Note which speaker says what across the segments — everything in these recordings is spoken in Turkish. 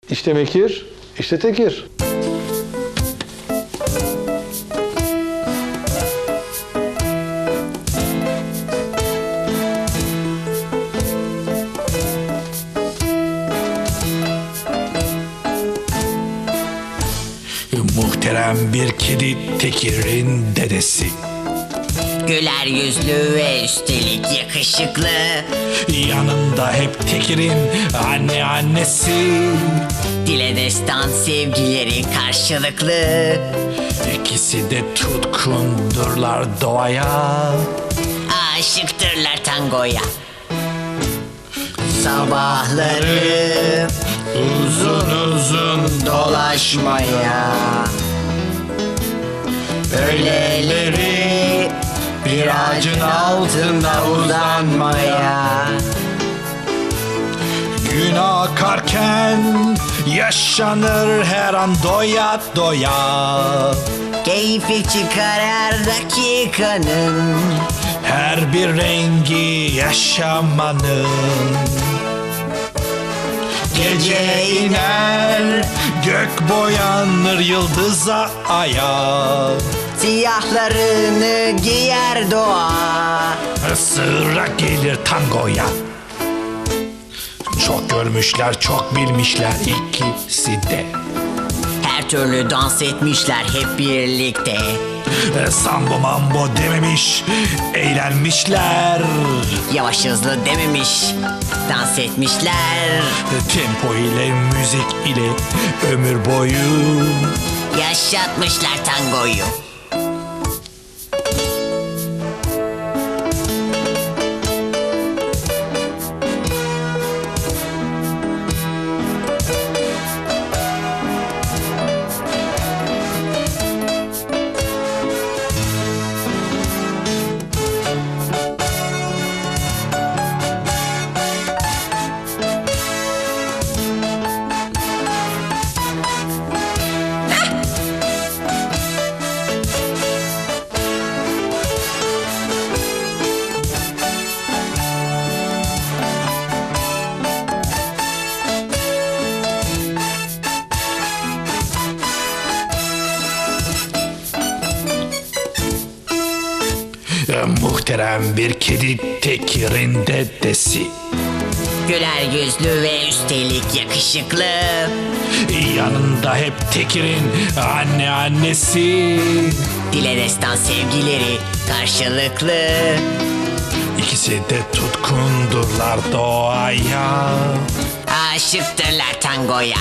Speaker 1: İşte Mekir, işte Tekir.
Speaker 2: Muhterem bir kedi Tekir'in dedesi.
Speaker 3: Güler yüzlü ve üstelik yakışıklı.
Speaker 2: Yanında hep Tekir'in annesi.
Speaker 3: Dile destan sevgileri karşılıklı.
Speaker 2: İkisi de tutkundurlar doğaya.
Speaker 3: Aşıktırlar tangoya. Sabahları uzun uzun dolaşmaya, öğleleri bir ağacın altında uzanmaya.
Speaker 2: Gün akarken yaşanır her an doya doya.
Speaker 3: Keyfi çıkar her dakikanın,
Speaker 2: Her bir rengi yaşamanın. Gece iner, gök boyanır yıldıza aya.
Speaker 3: siyahlarını giyer doğa.
Speaker 2: Sıra gelir tangoya. Çok görmüşler, çok bilmişler ikisi de.
Speaker 3: Her türlü dans etmişler hep birlikte.
Speaker 2: Sambo mambo dememiş, eğlenmişler.
Speaker 3: Yavaş hızlı dememiş, dans etmişler.
Speaker 2: Tempo ile, müzik ile ömür boyu
Speaker 3: Yaşatmışlar tangoyu.
Speaker 2: Muhterem bir kedi Tekir'in dedesi.
Speaker 3: Güler yüzlü ve üstelik yakışıklı.
Speaker 2: Yanında hep Tekir'in annesi.
Speaker 3: Dile destan sevgileri karşılıklı.
Speaker 2: İkisi de tutkundurlar doğaya.
Speaker 3: Aşıktırlar tangoya.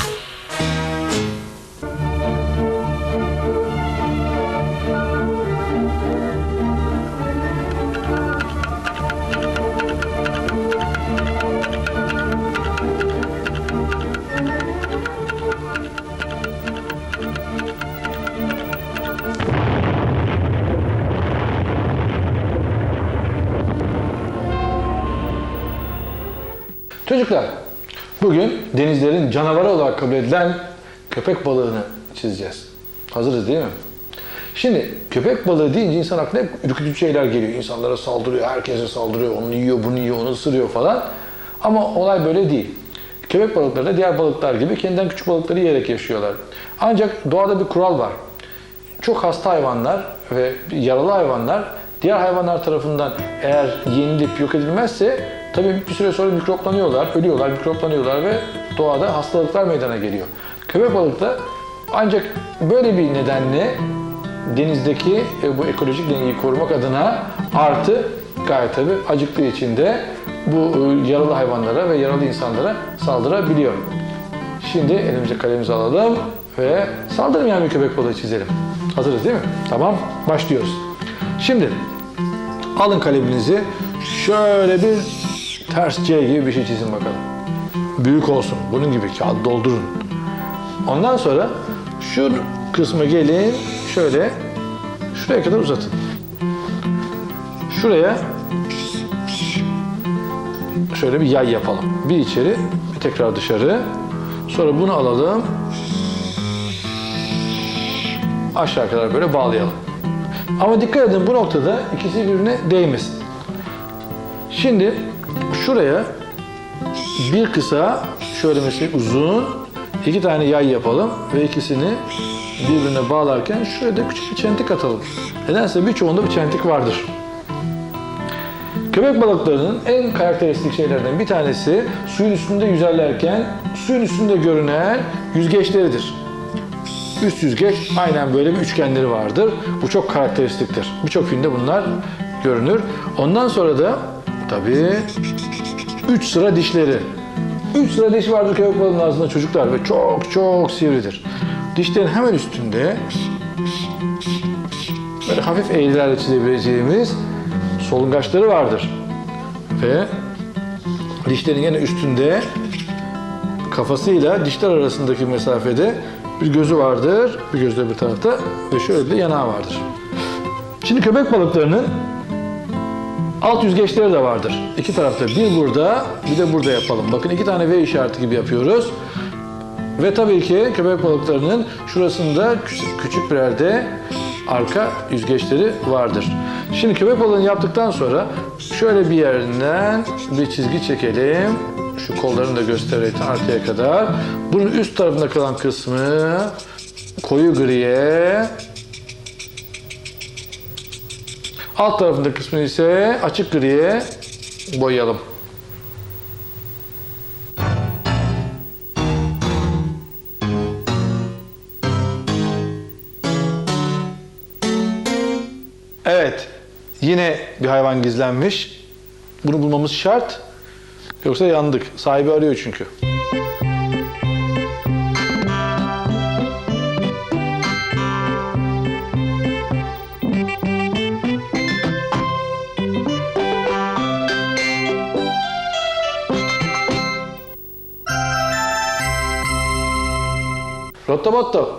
Speaker 1: Çocuklar, bugün denizlerin canavarı olarak kabul edilen köpek balığını çizeceğiz. Hazırız değil mi? Şimdi köpek balığı deyince insan aklına hep ürkütücü şeyler geliyor. İnsanlara saldırıyor, herkese saldırıyor, onu yiyor, bunu yiyor, onu ısırıyor falan. Ama olay böyle değil. Köpek balıkları da diğer balıklar gibi kendinden küçük balıkları yiyerek yaşıyorlar. Ancak doğada bir kural var. Çok hasta hayvanlar ve yaralı hayvanlar diğer hayvanlar tarafından eğer yenilip yok edilmezse tabii bir süre sonra mikroplanıyorlar, ölüyorlar, mikroplanıyorlar ve doğada hastalıklar meydana geliyor. Köpek balık da ancak böyle bir nedenle denizdeki bu ekolojik dengeyi korumak adına artı gayet tabii acıktığı için de bu yaralı hayvanlara ve yaralı insanlara saldırabiliyor. Şimdi elimize kalemizi alalım ve saldırmayan bir köpek balığı çizelim. Hazırız değil mi? Tamam, başlıyoruz. Şimdi alın kaleminizi, şöyle bir ters C gibi bir şey çizin bakalım. Büyük olsun, bunun gibi kağıt doldurun. Ondan sonra şu kısma gelin, şöyle şuraya kadar uzatın. Şuraya şöyle bir yay yapalım. Bir içeri, bir tekrar dışarı. Sonra bunu alalım. Aşağı kadar böyle bağlayalım. Ama dikkat edin, bu noktada ikisi birbirine değmesin. Şimdi şuraya bir kısa, şöyle mesela uzun, 2 tane yay yapalım ve ikisini birbirine bağlarken şöyle de küçük bir çentik atalım. Nedense birçoğunda bir çentik vardır. Köpek balıklarının en karakteristik şeylerden bir tanesi suyun üstünde yüzerlerken suyun üstünde görünen yüzgeçleridir. Üst yüzgeç aynen böyle bir üçgenleri vardır. Bu çok karakteristiktir. Birçok filmde bunlar görünür. Ondan sonra da tabii 3 sıra dişleri. 3 sıra diş vardır köpek balığının ağzında çocuklar ve çok çok sivridir. Dişlerin hemen üstünde böyle hafif eğrilerle çizebileceğimiz solungaçları vardır. Ve dişlerin yine üstünde kafasıyla dişler arasındaki mesafede bir gözü vardır. Bir gözü de bir tarafta ve şöyle bir yanağı vardır. Şimdi köpek balıklarının alt yüzgeçleri de vardır. İki tarafta, bir burada bir de burada yapalım. Bakın 2 tane V işareti gibi yapıyoruz. Ve tabii ki köpek balıklarının şurasında küçük birer de arka yüzgeçleri vardır. Şimdi köpek balığını yaptıktan sonra şöyle bir yerinden bir çizgi çekelim. Şu kollarını da göstererek arkaya kadar. Bunun üst tarafında kalan kısmı koyu griye, alt tarafındaki kısmını ise açık griye boyayalım. Evet, yine bir hayvan gizlenmiş. Bunu bulmamız şart. Yoksa yandık. Sahibi arıyor çünkü. Rotto botto.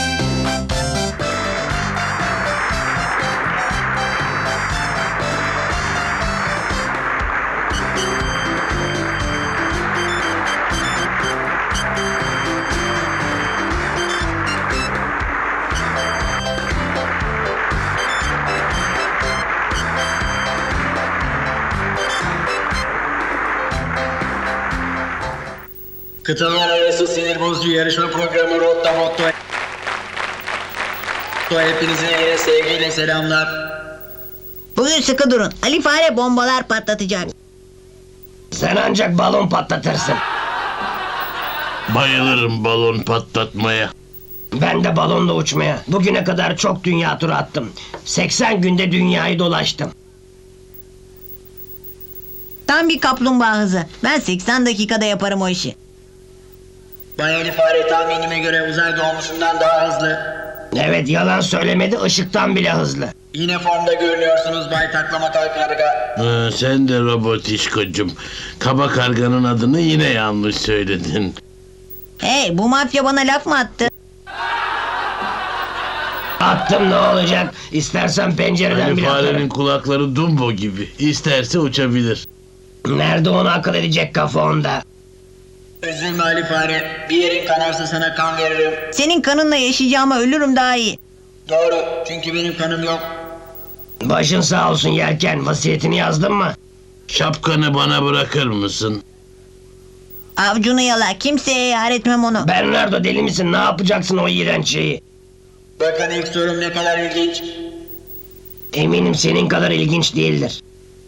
Speaker 4: Kıtalar arası sinir bozucu yarışma programı Rotta Motto. Hepinize yine sevgiyle selamlar.
Speaker 5: Bugün sıkı durun. Ali Fare bombalar patlatacak.
Speaker 6: Sen ancak balon patlatırsın.
Speaker 7: Bayılırım balon patlatmaya.
Speaker 6: Ben de balonla uçmaya. Bugüne kadar çok dünya turu attım. 80 günde dünyayı dolaştım.
Speaker 5: Tam bir kaplumbağa hızı. Ben 80 dakikada yaparım o işi.
Speaker 4: Bay Ali Fare tahminime göre uzay doğmusundan daha hızlı.
Speaker 6: Evet, yalan söylemedi, ışıktan bile hızlı.
Speaker 4: Yine formda görünüyorsunuz Bay Taklama Karga.
Speaker 7: Sen de robotişkocum. Kaba karganın adını yine yanlış söyledin.
Speaker 5: Hey, bu mafya bana laf mı attı?
Speaker 6: Attım, ne olacak? İstersen pencereden
Speaker 7: Hani
Speaker 6: bile
Speaker 7: farenin
Speaker 6: atarım.
Speaker 7: kulakları Dumbo gibi. İsterse uçabilir.
Speaker 6: Nerede onu akıl edecek kafa onda?
Speaker 4: Üzülme Ali Fare. Bir yerin kanarsa sana kan veririm.
Speaker 5: Senin kanınla yaşayacağıma ölürüm daha iyi.
Speaker 4: Doğru. Çünkü benim kanım yok.
Speaker 6: Başın sağ olsun Yelken, vasiyetini yazdın mı?
Speaker 7: Şapkanı bana bırakır mısın?
Speaker 5: Avcunu yala. Kimseye yar etmem onu.
Speaker 6: Bernardo, deli misin? Ne yapacaksın o iğrenç şeyi?
Speaker 4: Bakın ilk sorum ne kadar ilginç.
Speaker 6: Eminim senin kadar ilginç değildir.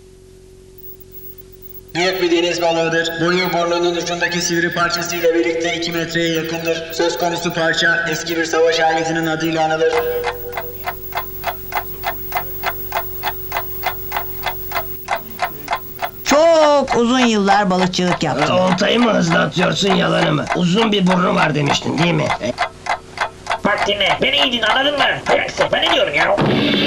Speaker 4: Büyük bir deniz balığıdır. Boyu burnunun ucundaki sivri parçasıyla birlikte 2 metreye yakındır. Söz konusu parça eski bir savaş aletinin adıyla anılır.
Speaker 5: Çok uzun yıllar balıkçılık yaptım.
Speaker 6: Oltayı mı hızlı atıyorsun, yalanı mı? Uzun bir burnu var demiştin değil mi?
Speaker 8: Bak dinle, beni iyi dinle, anladın mı? Ayaksın, ben ne diyorum ya?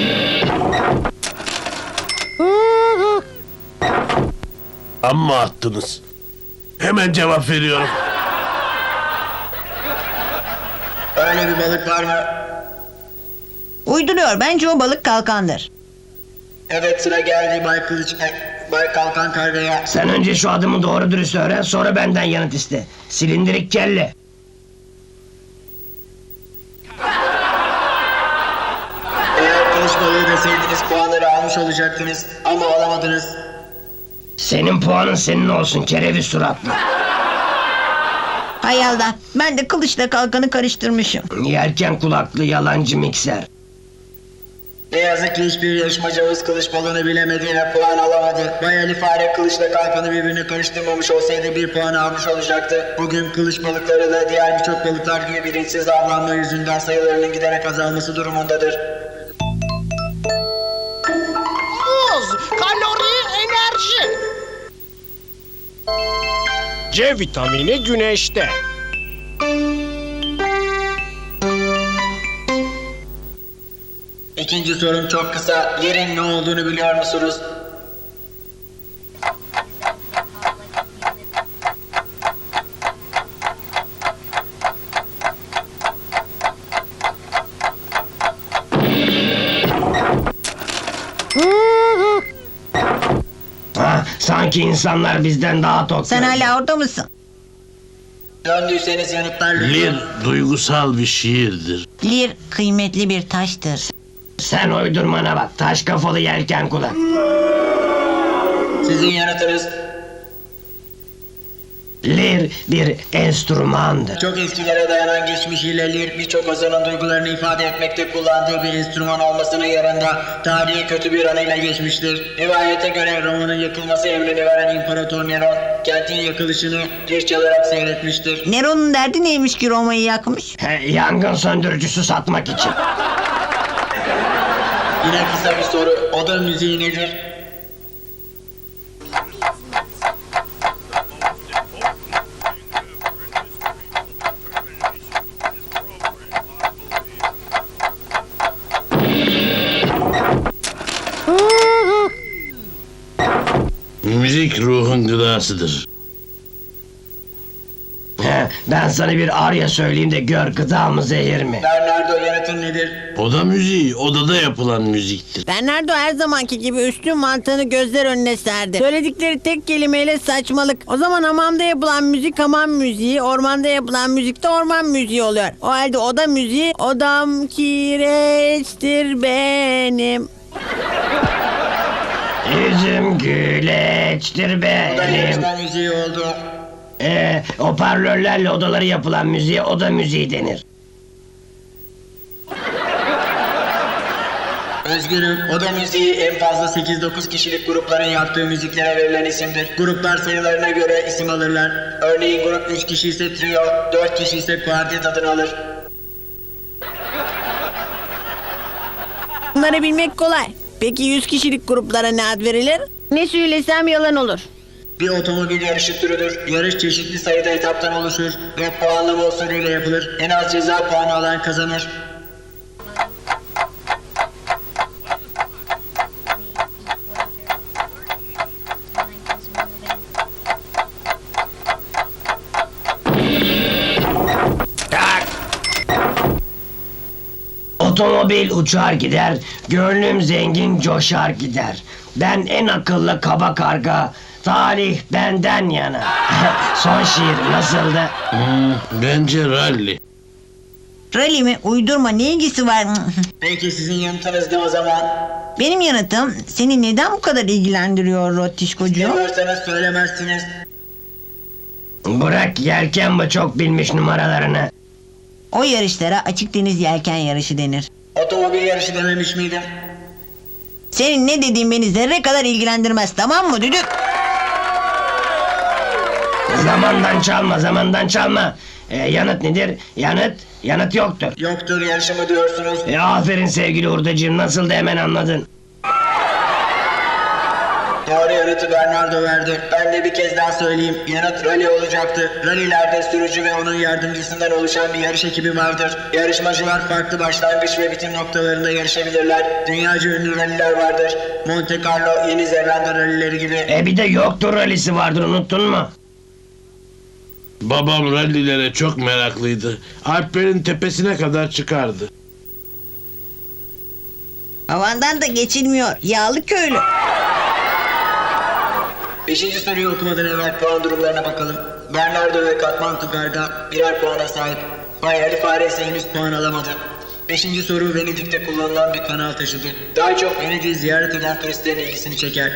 Speaker 7: Amma attınız. Hemen cevap veriyorum.
Speaker 4: Öyle bir balık var mı?
Speaker 5: Uyduruyor. Bence o balık kalkandır.
Speaker 4: Evet, sıra geldi Bay Kalkan Karga'ya.
Speaker 6: Sen önce şu adımı doğru dürüst öğren, sonra benden yanıt iste. Silindirik kelle.
Speaker 4: Eğer kılıç balığı deseydiniz puanları almış olacaktınız ama alamadınız.
Speaker 6: Senin puanın senin olsun, kereviz suratlı.
Speaker 5: Hay Allah, ben de kılıçla kalkanı karıştırmışım.
Speaker 6: Yelken kulaklı yalancı mikser.
Speaker 4: Ne yazık ki hiçbir yarışmacımız kılıç balığını bilemedi ve puan alamadı. Bay Ali Fare kılıçla kalkanı birbirine karıştırmamış olsaydı bir puan almış olacaktı. Bugün kılıç balıkları da diğer birçok balıklar gibi bilinçsiz avlanma yüzünden sayılarının giderek azalması durumundadır.
Speaker 9: Kalori, enerji. C vitamini güneşte.
Speaker 4: İkinci sorum çok kısa. Yerin ne olduğunu biliyor musunuz?
Speaker 6: Sanki insanlar bizden daha tok.
Speaker 5: Sen hala orada mısın?
Speaker 4: Döndüyseniz yanıtlar
Speaker 7: Lir duygusal bir şiirdir.
Speaker 5: Lir kıymetli bir taştır.
Speaker 6: Sen uydurmana bak. Taş kafalı yelken kulak.
Speaker 4: Sizin yanıtınız
Speaker 6: Lir bir enstrümandır.
Speaker 4: çok eskilere dayanan geçmişiyle lir birçok ozanın duygularını ifade etmekte kullandığı bir enstrüman olmasının yanında tarihi kötü bir anıyla geçmiştir. Rivayete göre Roma'nın yakılması emrini veren İmparator Neron kentin yakılışını lir çalarak seyretmiştir.
Speaker 5: Neron'un derdi neymiş ki Roma'yı yakmış?
Speaker 6: Yangın söndürücüsü satmak için.
Speaker 4: Yine kısa bir soru. Oda müziği nedir?
Speaker 7: Müzik ruhun gıdasıdır.
Speaker 6: Ben sana bir arya söyleyeyim de gör gıda mı zehir mi?
Speaker 4: Bernardo yanıtın nedir?
Speaker 7: Oda müziği odada yapılan müziktir.
Speaker 10: Bernardo her zamanki gibi üstün mantığını gözler önüne serdi. Söyledikleri tek kelimeyle saçmalık. O zaman hamamda yapılan müzik hamam müziği, ormanda yapılan müzik de orman müziği oluyor. O halde oda müziği, odam kireçtir benim.
Speaker 6: Yüzüm güleçtir
Speaker 4: O da
Speaker 6: benim.
Speaker 4: yarışma müziği oldu.
Speaker 6: Hoparlörlerle odaları yapılan müziğe oda müziği denir.
Speaker 4: Üzgünüm. Oda müziği en fazla 8-9 kişilik grupların yaptığı müziklere verilen isimdir. Gruplar sayılarına göre isim alırlar. Örneğin grup 3 kişi ise trio, 4 kişi ise kuartet adını alır.
Speaker 10: Bunları bilmek kolay. Peki 100 kişilik gruplara ne ad verilir? Ne söylesem yalan olur.
Speaker 4: Bir otomobil yarışı türüdür. Yarış çeşitli sayıda etaptan oluşur ve puanlama usulüyle yapılır. En az ceza puanı alan kazanır.
Speaker 6: Otomobil uçar gider, gönlüm zengin coşar gider. Ben en akıllı kaba karga, talih benden yana. Son şiir nasıldı?
Speaker 7: Bence rally.
Speaker 5: Rally mi? Uydurma, ne ilgisi var?
Speaker 4: Peki sizin yanıtınız ne o zaman?
Speaker 5: Benim yanıtım seni neden bu kadar ilgilendiriyor Rotişkocuğum?
Speaker 4: Bilmiyorsanız söylemezsiniz.
Speaker 6: Bırak yelken bu çok bilmiş numaralarını.
Speaker 5: O yarışlara açık deniz yelken yarışı denir.
Speaker 4: Otomobil yarışı dememiş miydim?
Speaker 5: Senin ne dediğin beni zerre kadar ilgilendirmez, tamam mı düdük?
Speaker 6: Zamandan çalma. Yanıt nedir? Yanıt yoktur.
Speaker 4: Yoktur yarışı mı diyorsunuz?
Speaker 6: Aferin sevgili hurdacığım, nasıl da hemen anladın.
Speaker 4: Doğru yanıtı Bernardo verdi. Ben de bir kez daha söyleyeyim. Yanıt rally olacaktı. Rallylerde sürücü ve onun yardımcısından oluşan bir yarış ekibi vardır. Yarışmacılar farklı başlangıç ve bitim noktalarında yarışabilirler. Dünyaca ünlü rallyler vardır. Monte Carlo, Yeni Zelanda rallyleri gibi.
Speaker 6: Bir de yoktur rallisi vardır, unuttun mu?
Speaker 7: Babam rallilere çok meraklıydı. Alplerin tepesine kadar çıkardı.
Speaker 5: Havandan da geçilmiyor, yağlı köylü.
Speaker 4: 5. soruyu okumadan evvel puan durumlarına bakalım. Bernardo ve Katmandu Garga birer puana sahip. Bay Ali Fare ise henüz puan alamadı. 5. soru Venedik'te kullanılan bir kanal taşıdır. Daha çok Venedik'i ziyaret eden turistlerin ilgisini çeker.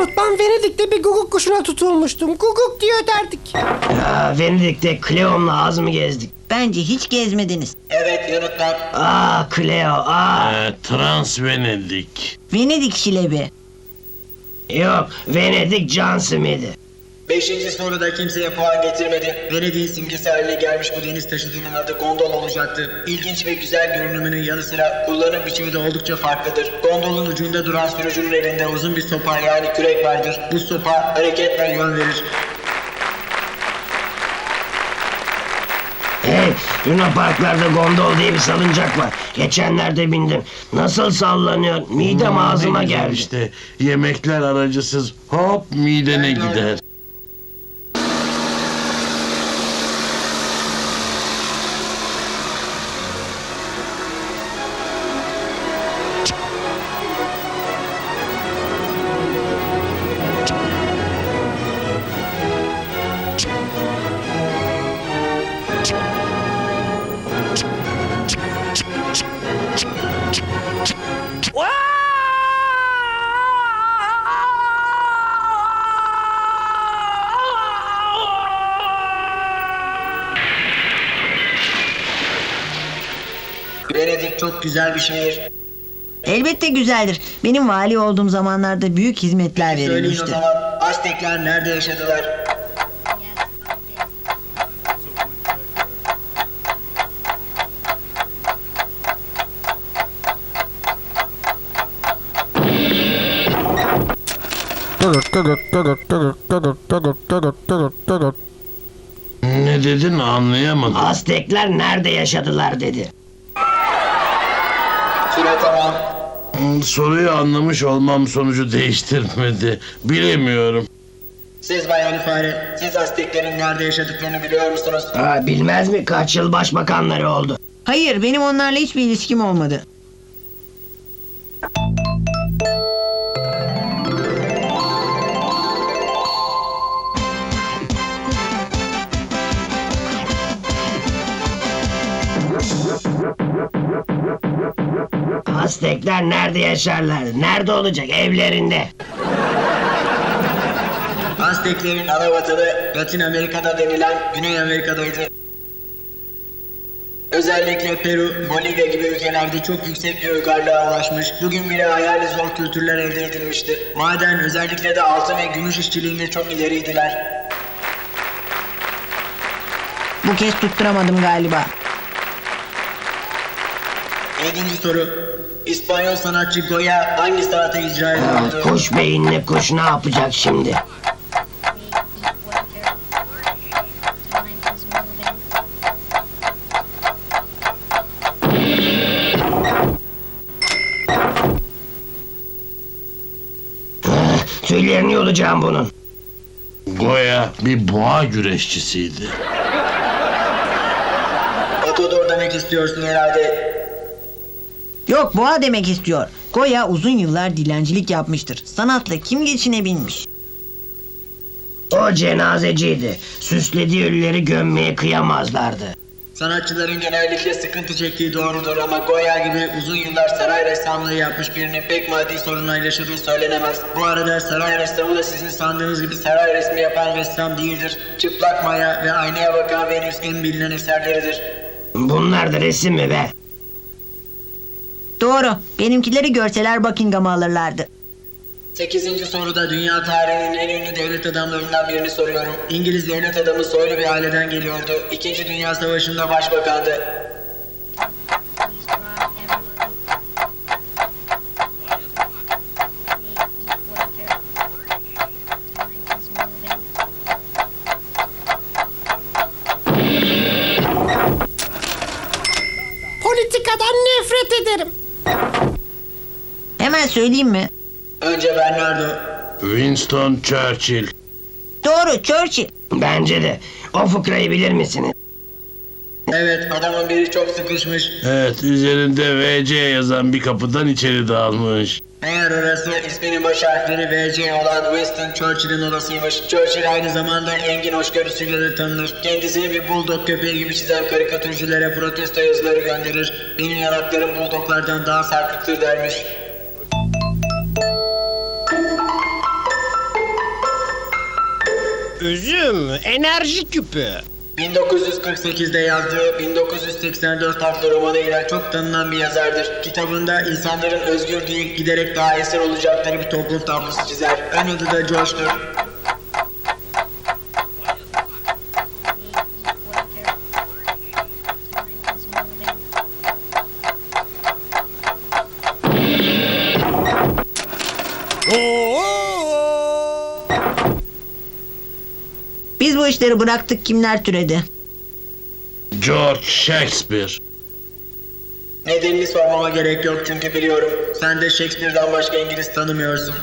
Speaker 9: unut, ben Venedik'te bir guguk kuşuna tutulmuştum. Guguk diye öterdik.
Speaker 6: Ya, Venedik'te Cleo'mla az mı gezdik?
Speaker 10: Bence hiç gezmediniz.
Speaker 4: Evet yanıtlar.
Speaker 6: Cleo,
Speaker 7: Trans Venedik.
Speaker 10: Venedik şilebi.
Speaker 6: Yok, Venedik John Smith'i.
Speaker 4: 5. soruda kimseye puan getirmedi. Venedik'in simgesi haline gelmiş bu deniz taşıtının adı gondol olacaktı. İlginç ve güzel görünümünün yanı sıra kullanım biçimi de oldukça farklıdır. Gondolun ucunda duran sürücünün elinde uzun bir sopa yani kürek vardır. Bu sopa hareketle yön verir.
Speaker 6: Hey, Luna Parklarda gondol diye bir salıncak var. Geçenlerde bindim. Nasıl sallanıyor? Midem ağzıma
Speaker 7: Ne güzel
Speaker 6: geldi.
Speaker 7: İşte yemekler aracısız hop midene gider.
Speaker 4: Venedik çok güzel bir şehir.
Speaker 10: Elbette güzeldir. Benim vali olduğum zamanlarda büyük hizmetler
Speaker 4: Söyleyin o
Speaker 10: verilmişti.
Speaker 4: zaman Aztekler nerede yaşadılar?
Speaker 7: Ne dedin anlayamadım.
Speaker 6: Aztekler nerede yaşadılar dedi.
Speaker 4: Süre tamam.
Speaker 7: Soruyu anlamış olmam sonucu değiştirmedi. Bilemiyorum.
Speaker 4: Siz Bay Ali Fare, siz Azteklerin nerede yaşadıklarını biliyor musunuz?
Speaker 6: Bilmez mi? Kaç yıl başbakanları oldu.
Speaker 10: Hayır, benim onlarla hiçbir ilişkim olmadı.
Speaker 6: Aztekler nerede yaşarlar? Nerede olacak? Evlerinde.
Speaker 4: Azteklerin ana vatanı Latin Amerika'da denilen Güney Amerika'daydı. Özellikle Peru, Bolivya gibi ülkelerde çok yüksek bir uygarlığa ulaşmış, bugün bile hayali zor kültürler elde edilmişti. Maden, özellikle de altın ve gümüş işçiliğinde çok ileriydiler.
Speaker 10: Bu kez tutturamadım galiba.
Speaker 4: 7. soru. İspanyol sanatçı Goya hangi sanatı icra ediyordu?
Speaker 6: Kuş beyinli kuş ne yapacak şimdi? Tüylerini yolacağım bunun.
Speaker 7: Goya bir boğa güreşçisiydi.
Speaker 4: Matador demek istiyorsun herhalde.
Speaker 10: Yok, boğa demek istiyor. Goya uzun yıllar dilencilik yapmıştır. Sanatla kim geçinebilmiş?
Speaker 6: O cenazeciydi. Süslediği ölüleri gömmeye kıyamazlardı.
Speaker 4: Sanatçıların genellikle sıkıntı çektiği doğrudur ama Goya gibi uzun yıllar saray ressamlığı yapmış birinin pek maddi sorunlarla yaşadığı söylenemez. Bu arada saray ressamı da sizin sandığınız gibi saray resmi yapan ressam değildir. Çıplak Maya ve Aynaya Bakan Venüs en bilinen eserleridir.
Speaker 6: Bunlar da resim mi be?
Speaker 10: Doğru. Benimkileri görseler Buckingham'ı alırlardı.
Speaker 4: 8. soruda dünya tarihinin en ünlü devlet adamlarından birini soruyorum. İngiliz devlet adamı soylu bir aileden geliyordu. 2. Dünya Savaşı'nda başbakandı.
Speaker 9: Politikadan nefret ederim.
Speaker 10: Hemen söyleyeyim mi?
Speaker 4: Önce Bernardo.
Speaker 7: Winston Churchill.
Speaker 10: Doğru, Churchill.
Speaker 6: Bence de. O fıkrayı bilir misiniz?
Speaker 4: Evet, adamın biri çok sıkışmış.
Speaker 7: Evet, üzerinde VC yazan bir kapıdan içeri dalmış.
Speaker 4: Meğer orası isminin baş harfleri VC olan Winston Churchill'in odasıymış. Churchill aynı zamanda engin hoşgörüsüyle de tanınır. Kendisini bir bulldog köpeği gibi çizen karikatürcülere protesto yazıları gönderir. Benim yanaklarım bulldoglardan daha sarkıktır dermiş.
Speaker 9: Üzüm, enerji küpü.
Speaker 4: 1948'de yazdığı 1984 adlı romanıyla çok tanınan bir yazardır. Kitabında insanların özgür değil, giderek daha esir olacakları bir toplum tablosu çizer. Ön adı da George'dur.
Speaker 5: Biz bu işleri bıraktık, kimler türedi?
Speaker 7: George Shakespeare.
Speaker 4: Nedenini sormama gerek yok çünkü biliyorum. Sen de Shakespeare'dan başka İngiliz tanımıyorsun.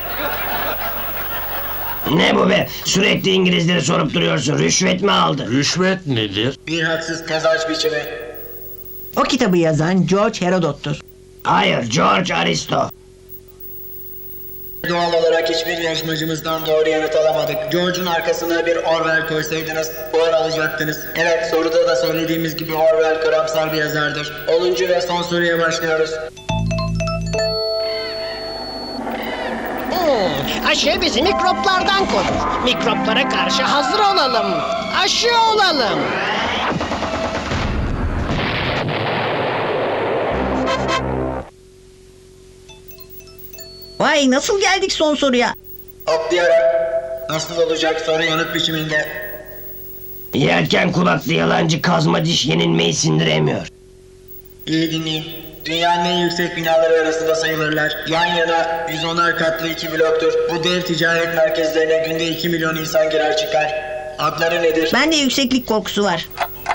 Speaker 6: Ne bu be? Sürekli İngilizleri sorup duruyorsun. Rüşvet mi aldı?
Speaker 7: Rüşvet nedir?
Speaker 4: Bir haksız kazanç biçimi.
Speaker 5: O kitabı yazan George Herodot'tur.
Speaker 6: Hayır, George Aristo.
Speaker 4: Doğal olarak hiçbir yarışmacımızdan doğru yanıt alamadık. George'un arkasına bir Orwell koysaydınız puan alacaktınız. Evet, soruda da söylediğimiz gibi Orwell karamsar bir yazardır. 10. ve son soruya başlıyoruz.
Speaker 9: Aşı bizi mikroplardan korur. Mikroplara karşı hazır olalım. Aşı olalım.
Speaker 5: Vay, nasıl geldik son soruya?
Speaker 4: Atlayarak. Nasıl olacak soru yanıt biçiminde.
Speaker 6: Yelken kulaklı yalancı kazma diş yenilmeyi sindiremiyor.
Speaker 4: İyi dinleyin. Dünyanın en yüksek binaları arasında sayılırlar. Yan yana 110'ar katlı 2 bloktur. Bu dev ticaret merkezlerine günde 2 milyon insan girer çıkar. Adları nedir?
Speaker 5: Bende yükseklik korkusu var.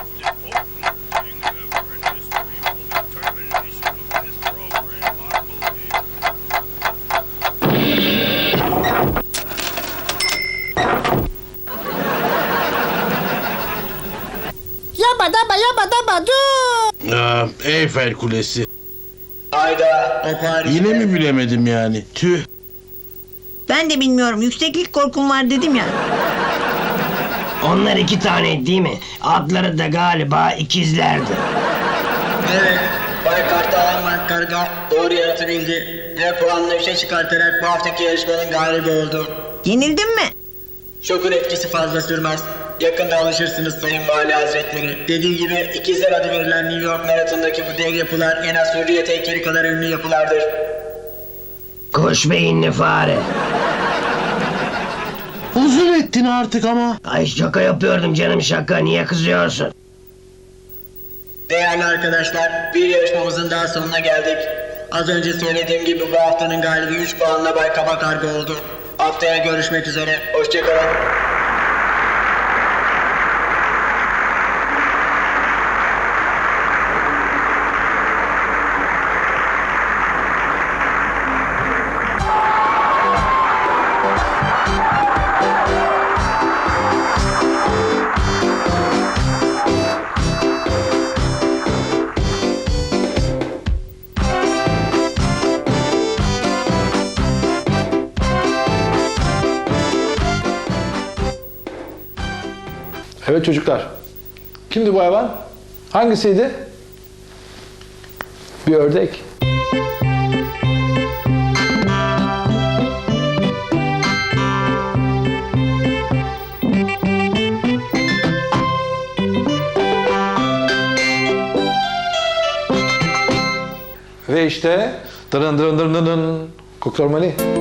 Speaker 9: Yabba dur.
Speaker 7: Eyfel Kulesi.
Speaker 4: Hayda, o Paris'te.
Speaker 7: Yine mi bilemedim yani? Tüh.
Speaker 5: Ben de bilmiyorum, yükseklik korkum var dedim ya.
Speaker 6: Onlar 2 tane değil mi? Adları da galiba ikizlerdi.
Speaker 4: Evet, Bay Kartalan Karga doğru yanıtı bildi. Ve puanını 3'e çıkartarak bu haftaki yarışmanın galibi oldu.
Speaker 5: Yenildim mi?
Speaker 4: Şokun etkisi fazla sürmez. Yakında alışırsınız Sayın Vali Hazretleri. Dediği gibi ikizler adı verilen New York Maratonu'ndaki bu dev yapılar en az Hürriyet heykeli kadar ünlü yapılardır.
Speaker 6: Kuş beyinli fare.
Speaker 7: Uzun ettin artık ama.
Speaker 6: Ay şaka yapıyordum canım, şaka. Niye kızıyorsun?
Speaker 4: Değerli arkadaşlar, bir yarışmamızın daha sonuna geldik. Az önce söylediğim gibi bu haftanın galibi 3 puanla Bay Kaba Karga oldu. Haftaya görüşmek üzere, hoşçakalın.
Speaker 1: Evet çocuklar. Kimdi bu hayvan? Hangisiydi? Bir ördek. Ve işte dırın dırın dırın dırın Koktormali.